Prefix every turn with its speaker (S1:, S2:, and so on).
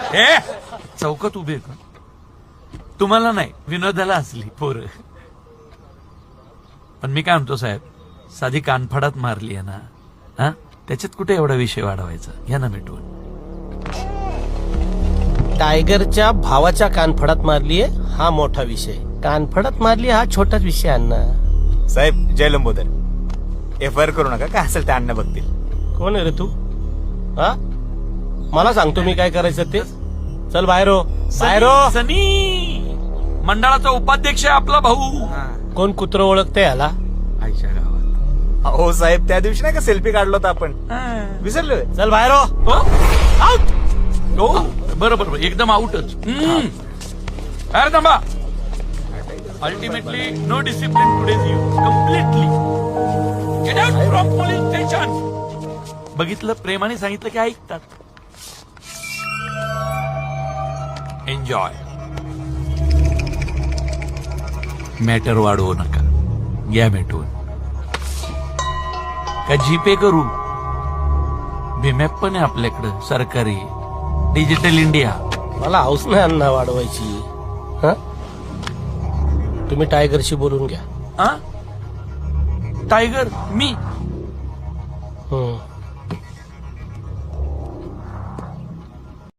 S1: चौकात उभे का तुम्हाला नाही विनोदाला असली पोरं. पण मी काय म्हणतो साहेब, साधी कानफडात मारली आहे ना, हा त्याच्यात कुठे एवढा विषय वाढवायचा. घ्या ना मिटवून.
S2: टायगरच्या भावाच्या कानफडात मारलीये हा मोठा विषय, कानफडात मारली हा छोटाच विषय. अण्णा
S3: साहेब जय लंबोदर, FIR करू नका, काय असेल ते अण्णा बघतील.
S2: कोण आहे रे तू? हा मला सांगतो मी काय करायचं ते. चल बाहेर हो, बाहेर हो.
S1: सनी मंडळाचा उपाध्यक्ष आहे आपला भाऊ.
S2: कोण कुत्र ओळखते याला?
S1: आईच्या गावात.
S3: हो साहेब, त्या दिवशी नाही का सेल्फी काढलो होता आपण, विसरलोय.
S2: चल बाहेर हो.
S1: आउट. हो बरं बरं, एकदम आउटच. अरे थांबा. Ultimately no discipline today's you completely get out from police station. बघितलं, प्रेमाने सांगितलं की ऐकतात. एन्जॉय. मॅटर वाढवू नका, घ्या मिटवून. का जीपे करू? भीमॅप पण आहे आपल्याकडं सरकारी, डिजिटल इंडिया.
S2: मला हौस नाही अण्णा वाढवायची. हा तुम्ही टायगरशी बोलून घ्या.
S1: टायगर मी